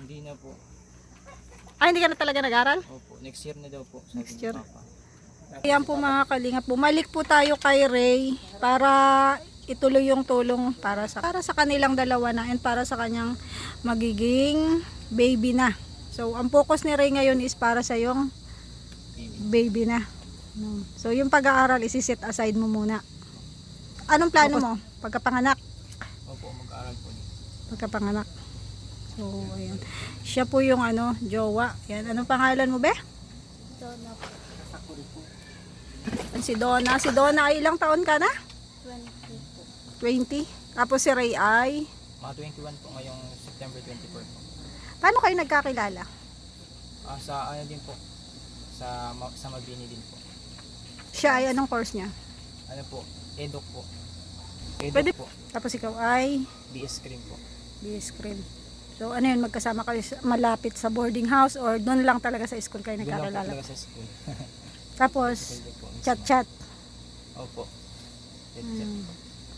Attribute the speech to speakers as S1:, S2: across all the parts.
S1: Hindi na po.
S2: Ay, hindi ka na talaga nag-aral?
S1: Opo, next year na daw po. Sabi
S2: Next
S1: ni
S2: year.
S1: Papa.
S2: Ayan po mga kalingap, bumalik po tayo kay Ray para ituloy yung tulong para sa kanilang dalawa na and para sa kanyang magiging baby na. So, ang focus ni Ray ngayon is para sa yung baby na. No. So, yung pag-aaral isi-set aside mo muna. Anong plano mo? Pagkapanganak?
S1: Opo, mag-aaral po.
S2: Pagkapanganak. So, ayan. Siya po yung jowa. Yan. Anong pangalan mo, be?
S3: Donna po.
S2: Si Donna. Si Donna ay ilang taon ka na?
S3: 20 po.
S2: 20. Tapos si Ray ay?
S1: Mga 21 po ngayong September 24 po.
S2: Paano kayo nagkakilala?
S1: Sa ano din po. Sa Mabini din po.
S2: Siya ay anong course niya?
S1: Ano po? Eduk po. Eduk
S2: Pwede
S1: po.
S2: Tapos ikaw ay
S1: BS Cream po.
S2: BS Cream. So ano yun, magkasama kayo malapit sa boarding house or doon lang talaga sa school kayo
S1: Doon lang po
S2: nagkakilala?
S1: talaga sa school.
S2: Tapos
S1: Pwede po, mismo.
S2: chat-chat.
S1: Opo. Chat-chat po.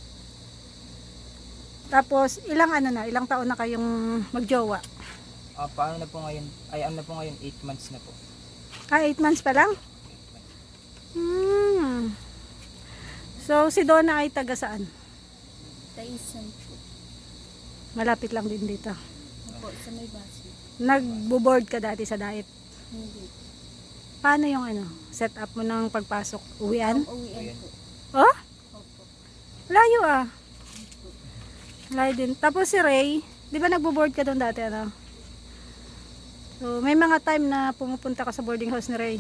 S2: Tapos ilang taon na kayong magjowa?
S1: Paano na po ngayon? Ay, ano na po ngayon? 8 months na po.
S2: 8 months pa lang?
S1: 8 months.
S2: So si Donna ay taga saan?
S3: Taisan po.
S2: Malapit lang din dito.
S3: Opo, sa may base.
S2: Nagbo-board ka dati sa diet.
S3: Hindi.
S2: Paano yung set up mo ng pagpasok? Uwian?
S3: Uwian po.
S2: Oh?
S3: Opo.
S2: Layo ah. Layo din. Tapos si Ray, di ba nagbo-board ka doon dati So may mga time na pumupunta ka sa boarding house ni Ray.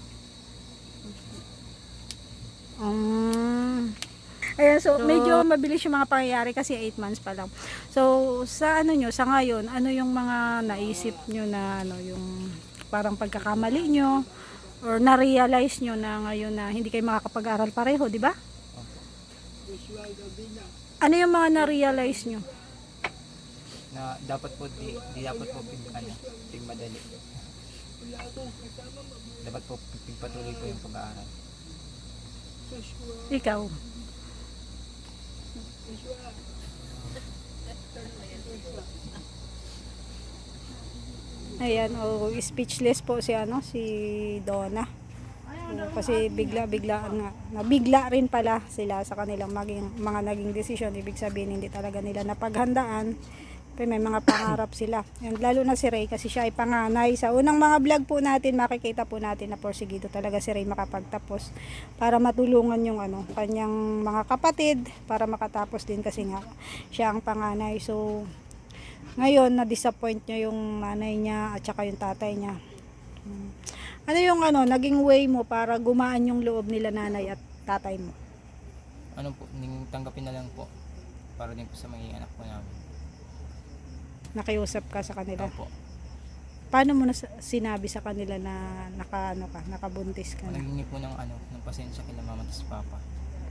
S2: Ayan, so medyo mabilis yung mga pangyayari kasi 8 months pa lang. So sa sa ngayon, ano yung mga naisip nyo na yung parang pagkakamali nyo or na-realize nyo na ngayon na hindi kayo makakapag-aral pareho, di ba? Ano yung mga na-realize nyo?
S1: Na dapat po di dapat po madali. Dapat po pagpatuloy po yung pag-aaral.
S2: Ikaw? Ayan, speechless po si si Donna. Kasi bigla-biglaan nga. Nabigla rin pala sila sa kanilang mga naging desisyon. Ibig sabihin hindi talaga nila napaghandaan. Pero may mga pangarap sila. And lalo na si Ray kasi siya ay panganay. Sa unang mga vlog po natin, makikita po natin na porsigido talaga si Ray makapagtapos para matulungan yung kanyang mga kapatid para makatapos din kasi nga siya ang panganay. So ngayon na-disappoint niya yung nanay niya at saka yung tatay niya. Ano yung naging way mo para gumaan yung loob nila nanay at tatay mo?
S1: Ano po, tanggapin na lang po para din po sa mga anak po namin.
S2: Nakiusap ka sa kanila?
S1: Opo.
S2: Paano mo na sinabi sa kanila na nakabuntis ka na?
S1: Naghingi po ng pasensya kila mama at papa.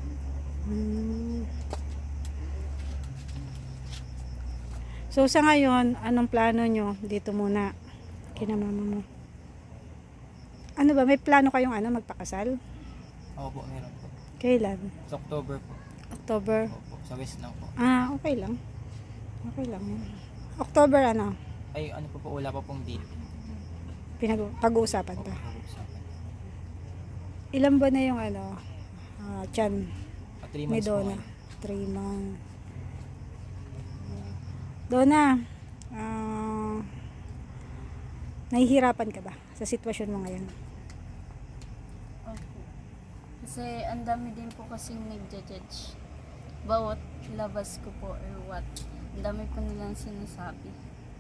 S2: So sa ngayon, anong plano nyo dito muna kina mama mo? Ano ba, may plano kayong magpakasal?
S1: Opo, meron po.
S2: Kailan?
S1: Sa October po.
S2: October?
S1: Opo, sa West lang po.
S2: Okay lang. Okay lang. October
S1: Ay, ano po, wala pa pong date.
S2: Pag-uusapan pa.
S1: Pag-uusapan.
S2: Ilan ba na yung tiyan
S1: 3
S2: ni
S1: months po
S2: Donna?
S1: ngayon.
S2: 3 months. Donna, nahihirapan ka ba sa sitwasyon mo ngayon?
S3: Opo. Kasi ang dami din po kasing nagja-judge. Bawat labas ko po or what. Ang dami po nilang sinasabi.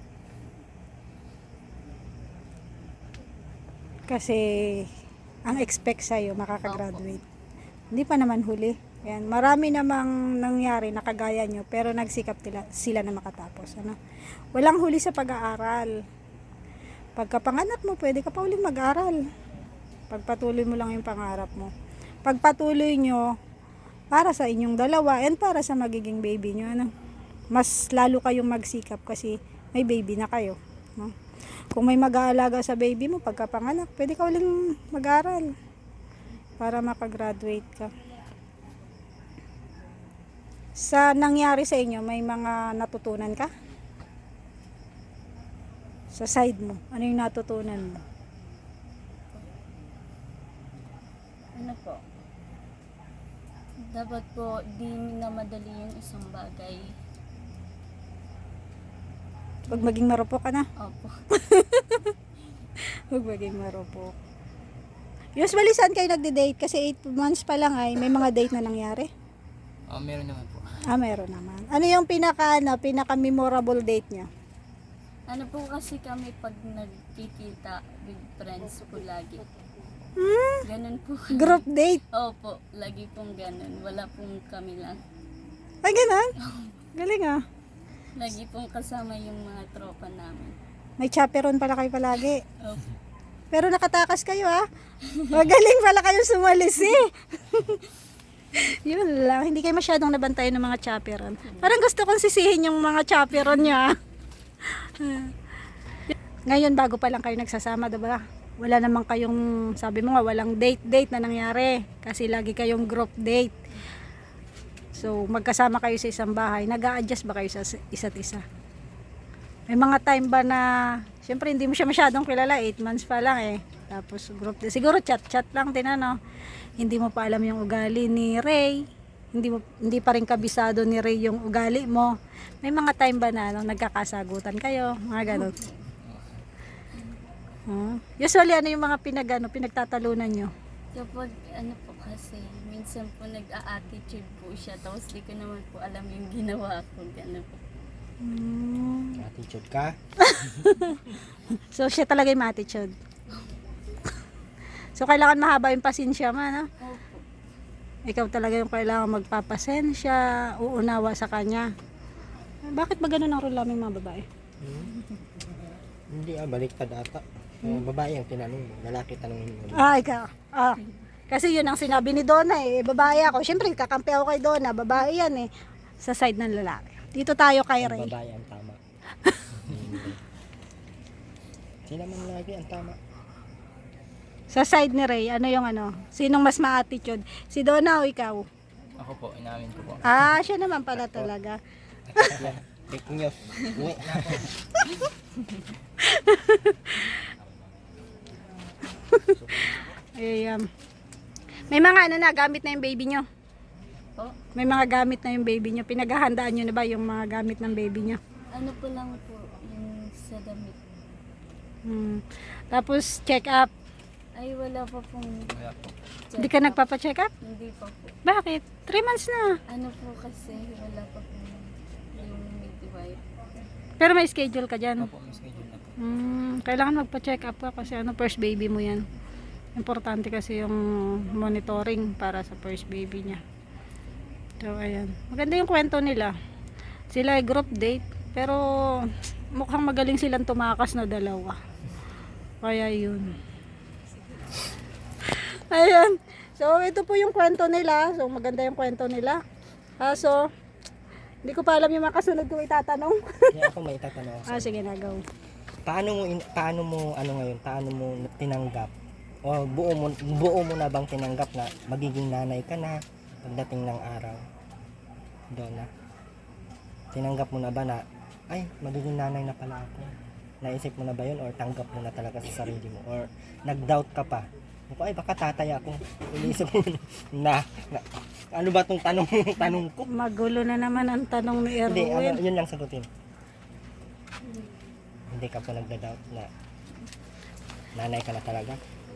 S2: Kasi ang expect sa'yo makakagraduate. Hindi pa naman huli. Yan. Marami namang nangyari na kagaya nyo pero nagsikap sila na makatapos. Walang huli sa pag-aaral. Pagkapanganak mo, pwede ka pa uling mag-aral. Pagpatuloy mo lang yung pangarap mo. Pagpatuloy nyo para sa inyong dalawa and para sa magiging baby nyo. Mas lalo kayong magsikap kasi may baby na kayo. Kung may mag-aalaga sa baby mo pagkapanganak, pwede ka uling mag-aral para makagraduate ka. Sa nangyari sa inyo, may mga natutunan ka? Sa side mo, ano yung natutunan mo?
S3: Ano po? Dapat po di minamadali yung isang bagay.
S2: Huwag maging marupok ka na.
S3: Opo.
S2: Huwag maging marupok. Usually saan kayo nagde-date? Kasi 8 months pa lang ay may mga date na nangyari.
S1: Meron naman po.
S2: Meron naman. Ano yung pinaka-memorable date niya?
S3: Ano po kasi kami pag nagkikita with friends po lagi. Ganun po.
S2: Group date?
S3: Opo, lagi pong ganun. Wala pong kami lang.
S2: Ay, ganun? Galing ah.
S3: Lagi pong kasama yung mga tropa namin.
S2: May chaperon pala kayo palagi.
S3: Opo.
S2: Pero nakatakas kayo ah. Magaling pala kayo sumalis eh. Yun lang. Hindi kayo masyadong nabantayan ng mga chaperon. Parang gusto kong sisihin yung mga chaperon niya. Ngayon, bago pa lang kayo nagsasama, diba? Wala naman kayong, sabi mo nga, walang date na nangyari. Kasi lagi kayong group date. So, magkasama kayo sa isang bahay. Nag-a-adjust ba kayo sa isa't isa? May mga time ba na, syempre hindi mo siya masyadong kilala, 8 months pa lang eh. Tapos group date. Siguro chat lang din ano. Hindi mo pa alam yung ugali ni Ray. Hindi pa rin kabisado ni Ray yung ugali mo. May mga time ba na nagkakasagutan kayo, mga ganun. Usually ano yung mga pinagtatalunan nyo?
S3: Kapag ano po kasi, minsan po nag-a-attitude po siya. Tapos di ko naman po alam yung ginawa ko. Gano'n po.
S4: Attitude ka?
S2: So siya talaga yung attitude. So kailangan mahaba yung pasensya mo, no?
S3: Opo.
S2: Ikaw talaga yung kailangan magpapasensya, uunawa sa kanya. Bakit ba ganun ang role naming mga babae?
S4: Hindi baliktad ata. Babae ang tinanong mo, lalaki tanongin mo.
S2: Ikaw. Kasi yun ang sinabi ni Donna eh. Babae ako. Siyempre, kakampi ako kay Donna. Babae yan eh. Sa side ng lalaki. Dito tayo kay Ray.
S4: Babae ang tama. Sila man lagi ang tama.
S2: Sa side ni Ray, ano yung ano? Sinong mas ma-attitude? Si Donna o ikaw?
S1: Ako po, inamin ko po.
S2: Siya naman pala talaga.
S4: Fake news. Uwi na ako.
S2: May mga ano na, gamit na yung baby nyo.
S3: Po?
S2: May mga gamit na yung baby nyo. Pinaghahandaan nyo na ba yung mga gamit ng baby nyo?
S3: Ano po lang po yung sa damit.
S2: Tapos check up.
S3: Ay, wala pa pong
S1: Wala po.
S2: Hindi ka nagpapa-check up?
S3: Hindi pa po.
S2: Bakit? 3 months na.
S3: Ano po kasi, wala pa po yung midwife.
S2: Pero may schedule ka dyan.
S1: Opo, may schedule na po.
S2: Kailangan magpa-check up ka kasi first baby mo yan. Importante kasi yung monitoring para sa first baby niya. So, ayan. Maganda yung kwento nila. Sila ay group date, pero mukhang magaling silang tumakas na dalawa. Kaya yun. Ayan. So, ito po yung kwento nila. So, maganda yung kwento nila. So, hindi ko pa alam yung mga kasunod ko itatanong.
S4: Kaya ako may itatanong ako.
S2: Sige na, go.
S4: Paano mo tinanggap? O buo mo na bang tinanggap na magiging nanay ka na pagdating ng araw? Donna. Tinanggap mo na ba na ay magiging nanay na pala ako? Naisip mo na ba yun or tanggap mo na talaga sa sarili mo or nag-doubt ka pa? Ay baka tatay ako. Inisip mo na ano ba tong tanong ko?
S2: Magulo na naman ang tanong ni
S4: Hindi,
S2: Erwin.
S4: yun lang sagutin. Hindi ka po nagda-doubt na nanay ka na talaga?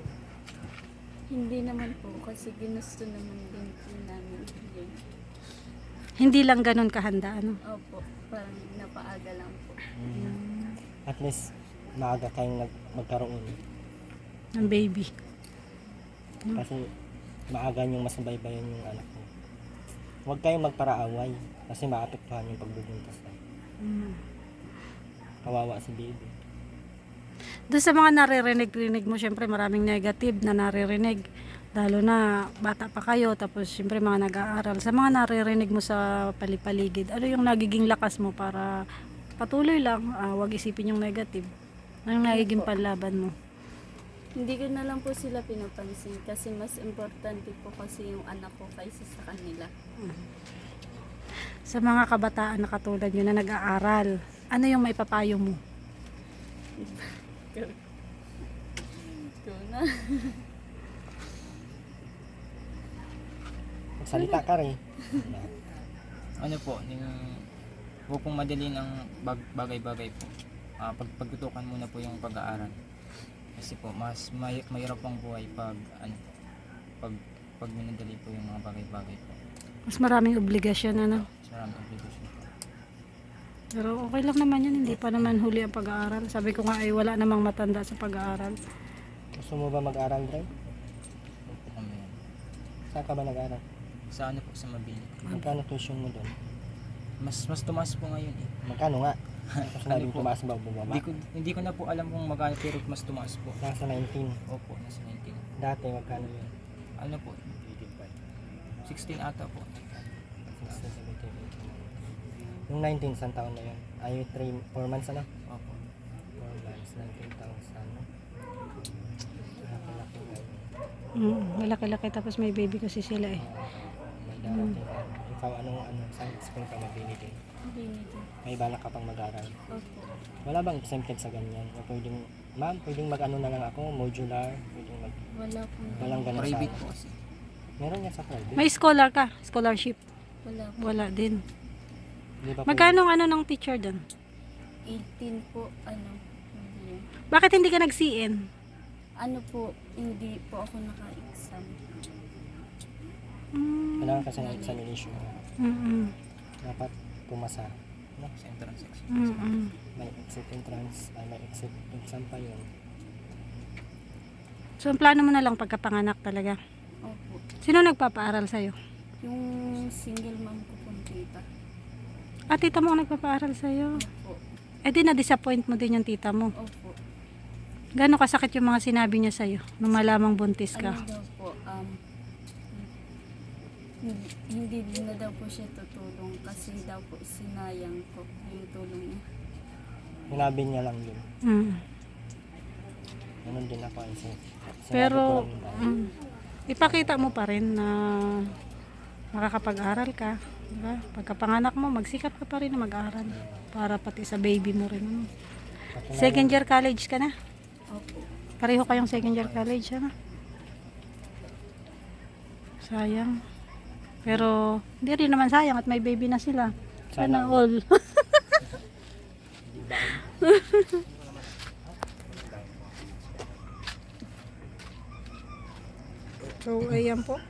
S3: Hindi naman po kasi ginusto naman din po namin yun.
S2: Hindi lang ganun kahanda, ano?
S3: Opo, parang napaaga lang po.
S4: At least maaga kayong magkaroon.
S2: Ng baby.
S4: Kasi maaga niyong masubaybayan yung anak mo. Huwag kayong magparaaway kasi maapektuhan yung pagbubuntis. Kawawa si baby.
S2: Doon sa mga naririnig-rinig mo, syempre maraming negative na naririnig. Lalo na bata pa kayo, tapos syempre mga nag-aaral. Sa mga naririnig mo sa palipaligid, ano yung nagiging lakas mo para patuloy lang, wag isipin yung negative? Anong nagiging panlaban mo?
S3: Hindi ko na lang po sila pinapansin kasi mas importante po kasi yung anak ko kaysa sa kanila.
S2: Sa mga kabataan na katulad nyo na nag-aaral, ano yung maipapayo mo?
S3: Ito na.
S4: Magsalita ka rin.
S1: Ano po, huwag pong madalin ang bagay-bagay po. Pagtutukan muna po yung pag-aaral. Kasi po, mas mahirap pang buhay pag minadali po yung mga bagay-bagay po.
S2: Mas maraming obligasyon, ano?
S1: Mas maraming obligasyon po.
S2: Pero okay lang naman yun, hindi pa naman huli ang pag-aaral. Sabi ko nga ay wala namang matanda sa pag-aaral.
S4: Gusto mo ba mag-aral, Dre?
S1: Huwag po kami yan.
S4: Saan ka ba nag-aral?
S1: Sa ano po, sa Mabini.
S4: Magkano tuition mo doon?
S1: Mas tumaas po ngayon eh.
S4: Magkano nga? Tapos
S1: Ano
S4: nabing
S1: po?
S4: tumaas ba o bumaba?
S1: Hindi ko na po alam kung magkano pero mas tumaas po.
S4: Nasa 19.
S1: Opo, nasa 19.
S4: Dati magkano yun?
S1: Ano po? 16 ata po.
S4: 16, 17, 18. Yung 19, saan taon na yun? Ay, 4 months ano?
S1: Opo.
S4: 4 months, 19,000. No? Laki-laki ngayon.
S2: Malaki-laki tapos may baby kasi sila eh.
S4: May darating. Ikaw, saan school ka mabinigay?
S3: Binigay.
S4: May balak ka pang mag-aral?
S3: Opo.
S4: Wala bang exempted sa ganyan? O pwedeng, ma'am, pwedeng mag-ano na lang ako, modular, pwedeng mag...
S3: Wala po.
S4: Walang ganun
S1: Private
S4: sa...
S1: po kasi.
S4: Meron yan sa private.
S2: May scholar ka? Scholarship?
S3: Wala po.
S2: Wala din.
S4: Di ba
S2: Magkano ang ano ng teacher doon?
S3: 18 po, hindi.
S2: Bakit hindi ka nag-CN?
S3: Ano po, hindi po ako naka-exam.
S4: Kailangan kasi ng examination.
S2: Mm-mm.
S4: Dapat pumasa. No?
S1: Sa entrance exam.
S2: Mm-mm.
S4: May exit entrance, ay may exit exam pa yun.
S2: So, ang plano mo na lang pagkapanganak talaga.
S3: Opo.
S2: Sino nagpapaaral sa'yo?
S3: Yung single mom ko pong tita.
S2: Ah, tita mo ang nagpapaaral sa'yo.
S3: Opo.
S2: Eh di na-disappoint mo din yung tita mo.
S3: Opo.
S2: Gano'ng kasakit yung mga sinabi niya sa'yo nung malamang buntis ka?
S3: Ano daw po, hindi din na daw po siya tutulong kasi daw po sinayang ko yung tulong niya.
S4: Sinabi niya lang yun.
S2: Mm.
S4: Ganun din ako.
S2: Pero, ipakita mo pa rin na makakapag-aral ka. Diba? Pagkapanganak mo, magsikap ka pa rin na mag-aral. Para pati sa baby mo rin. Ano? Second year college ka na?
S3: Opo.
S2: Pareho kayong second year college, ano? Sayang. Pero, hindi rin naman sayang at may baby na sila. Sana all. So, ayan po.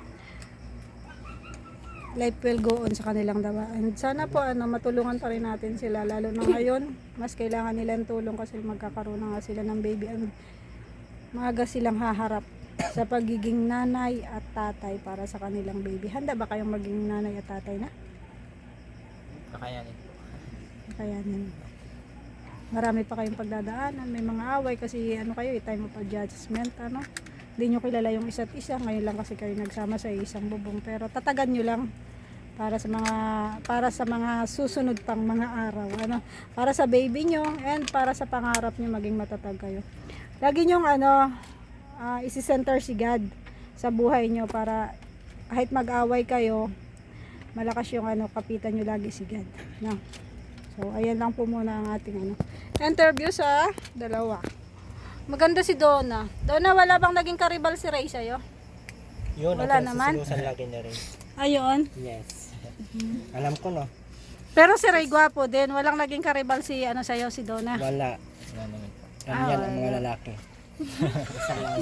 S2: Life will go on sa kanilang dawa. And sana po matulungan pa rin natin sila. Lalo na ngayon, mas kailangan nilang tulong kasi magkakaroon na nga sila ng baby. And maaga silang haharap sa pagiging nanay at tatay para sa kanilang baby. Handa ba kayong maging nanay at tatay na?
S1: Kakayanin po.
S2: Kakayanin. Marami pa kayong pagdadaanan. May mga away kasi kayo, time of adjustment. Hindi nyo kilala yung isa't isa. Ngayon lang kasi kayo nagsama sa isang bubong. Pero tatagan nyo lang para sa mga susunod pang mga araw. Para sa baby nyo and para sa pangarap nyo maging matatag kayo. Lagi nyong isi-center si God sa buhay nyo para kahit mag-away kayo, malakas yung kapitan nyo lagi si God. No? So, ayan lang po muna ang ating interview sa dalawa. Maganda si Donna. Donna, wala bang naging karibal si Ray sa'yo?
S4: Yun,
S2: Wala
S4: ang
S2: naman.
S4: pinasusunusan lagi na rin.
S2: Ayun.
S4: Yes. Alam ko, no?
S2: Pero si Ray gwapo din. Walang naging karibal si sa'yo, si Donna.
S4: Wala.
S1: Wala naman po.
S4: Yan ang mga lalaki. Isa lang.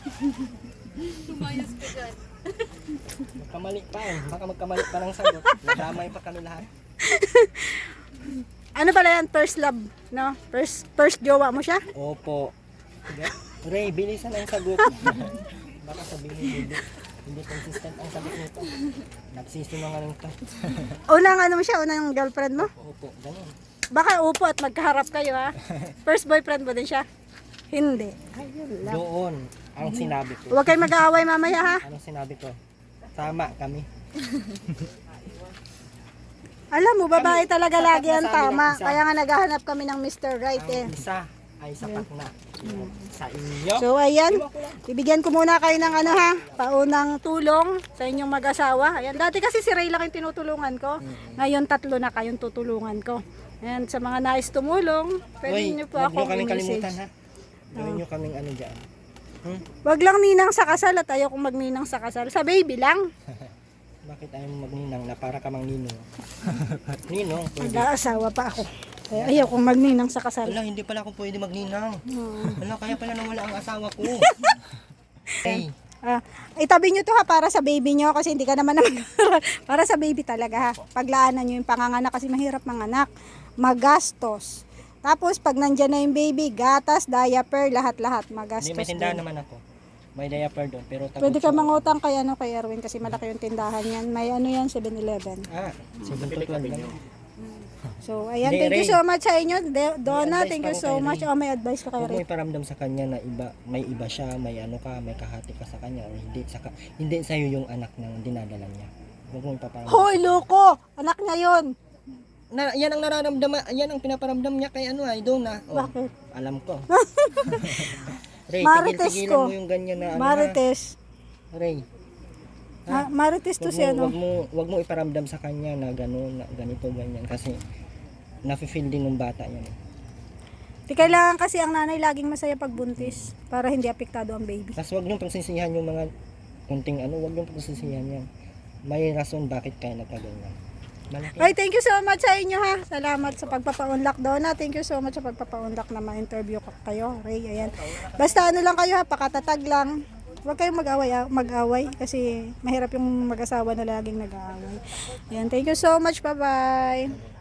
S4: Magkamali pa eh. Baka magkamali pa ng sagot. Nadamay pa kami lahat.
S2: Ano pala yan? First love, no? First jowa mo siya?
S4: Opo. Ray, bilisan ang sagot. Baka sabihin hindi consistent ang sagot nito. Nagsisinungaling to.
S2: Unang mo siya? Unang girlfriend mo?
S4: Opo, ganun.
S2: Baka upo at magkaharap kayo, ha? First boyfriend mo din siya? Hindi. Ayun lang.
S4: Doon ang sinabi ko.
S2: Huwag kayo mag-aaway mamaya, ha?
S4: Anong sinabi ko? Tama kami.
S2: Alam mo, babae talaga
S4: sapat
S2: lagi
S4: na
S2: ang
S4: sa amin ang
S2: tama.
S4: isa.
S2: Kaya nga naghahanap kami ng Mr. Right, eh.
S4: Ang isa ay sapat na. Sa inyo.
S2: So, ayan. Bibigyan ko muna kayo ng paunang tulong sa inyong mag-asawa. Ayan, dati kasi si Ray lang yung tinutulungan ko. Ngayon, 3 na kayong tutulungan ko. And sa mga nais tumulong, pwede
S4: Uy,
S2: nyo po
S4: huwag
S2: ako
S4: nyo kaming
S2: i-message.
S4: kalimutan ha. Gawin nyo kaming ano dyan.
S2: Wag lang ninang sa kasal at ayaw kong magninang sa kasal. Sa baby lang.
S4: Bakit ayaw mo magninang na para ka mang ninong? Ninong, pwede.
S2: Mag-aasawa pa ako. Kaya ayaw kong magninang sa kasal.
S4: Wala, hindi pala ako pwede magninang. Wala, kaya pala nawala ang asawa ko. Hey,
S2: Itabi nyo to ha para sa baby nyo kasi hindi ka naman para sa baby talaga ha. Paglaanan nyo yung panganganak kasi mahirap manganak. Magastos. Tapos pag nandyan na yung baby, gatas, diaper, lahat-lahat magastos.
S4: hindi, may tindahan
S2: din.
S4: naman ako. May diaper doon, pero
S2: Pwede ka mangutang kay kay Erwin kasi malaki yung tindahan yan. May ano yan 7-Eleven.
S4: 7 to 12 lang.
S2: So ayan,
S4: Hindi,
S2: thank you
S4: Ray.
S2: so much sa inyo. Donna,
S4: May advice
S2: thank
S4: pa
S2: you
S4: ako
S2: so
S4: kay
S2: much.
S4: Ray.
S2: Oh, may advice ka kay
S4: Huwag mo
S2: Ray.
S4: iparamdam sa kanya na may iba siya, may ano ka, may kahati ka sa kanya, or hindi sa'yo yung anak ng dinadala niya. Huwag mo ipaparamdam.
S2: Hoy, loko! Anak niya yun.
S4: Yan ang nararamdaman, yan ang pinaparamdam niya kay ano ay Donna. Oh,
S2: Bakit?
S4: alam ko. Ray,
S2: Marites
S4: tigil-tigilan
S2: ko.
S4: mo yung ganyan na ano.
S2: Marites.
S4: Ray,
S2: Marites to si ano.
S4: wag mo iparamdam sa kanya na gano'n, na ganito, ganyan. Kasi, nafe-feel din ng bata yan.
S2: Di kailangan kasi ang nanay laging masaya pag buntis para hindi apektado ang baby.
S4: Tapos wag niyong pagsisihan yung mga kunting ano, wag niyong pagsisihan yan. May rason bakit kaya nagkaganyan. Malaki.
S2: Ay, thank you so much sa inyo ha. Salamat sa pagpapa-unlock Donna. Thank you so much sa pagpapa-unlock na ma-interview kayo. Ray, ayan. Basta ano lang kayo ha, pakatatag lang. Huwag kayong mag-away kasi mahirap yung mag-asawa na laging nag-aaway. Ayan, thank you so much. Bye-bye.